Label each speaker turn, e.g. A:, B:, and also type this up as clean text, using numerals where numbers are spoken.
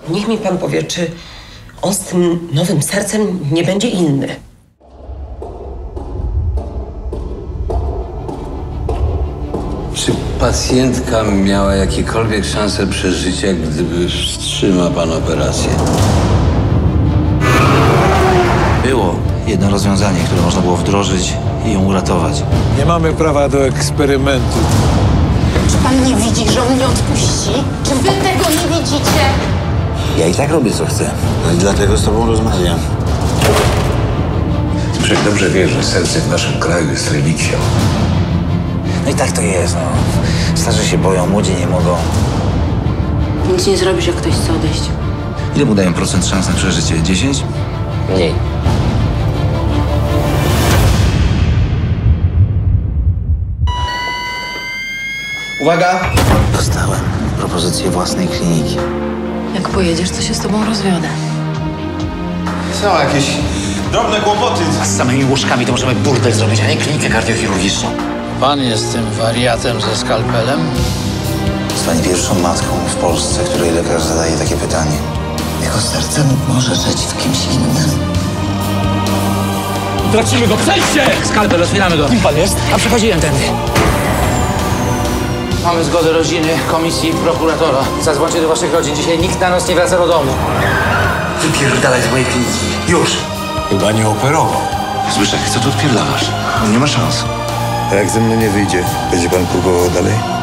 A: Niech mi pan powie, czy on z tym nowym sercem nie będzie inny.
B: Czy pacjentka miała jakiekolwiek szanse przeżycia, gdyby wstrzymał pan operację?
C: Było jedno rozwiązanie, które można było wdrożyć i ją uratować.
D: Nie mamy prawa do eksperymentu.
E: Czy pan nie widzi, że on nie odpuści? Czy wy tego nie widzicie?
C: Ja i tak robię, co chcę. No i dlatego z tobą rozmawiam.
F: Wszak dobrze wiesz, że serce w naszym kraju jest relikwią.
C: No i tak to jest, no. Starzy się boją, młodzi nie mogą.
E: Nic nie zrobisz, jak ktoś chce odejść.
C: Ile mu dają procent szans na przeżycie? 10?
A: Mniej.
C: Uwaga! Dostałem propozycję własnej kliniki.
E: Jak pojedziesz, to się z tobą rozwiodę.
G: Są jakieś drobne kłopoty.
C: Z samymi łóżkami to możemy burdel zrobić, a nie klinikę kardiochirurgiczną.
H: Pan jest tym wariatem ze skalpelem?
C: Zostanie pierwszą matką w Polsce, której lekarz zadaje takie pytanie. Jego serce może żyć w kimś innym.
H: Tracimy go, przejdźcie!
C: Skalpel, otwieramy go. Kim pan jest? A przechodziłem tędy.
H: Mamy zgodę rodziny, komisji, prokuratora. Zadzwońcie do waszych rodzin. Dzisiaj nikt na noc nie wraca do domu.
C: Wypierdalaj z mojej kliniki. Już!
F: Chyba nie operował.
C: Zbyszek, co tu odpierdalasz? On nie ma szans.
D: A jak ze mną nie wyjdzie, będzie pan próbował dalej?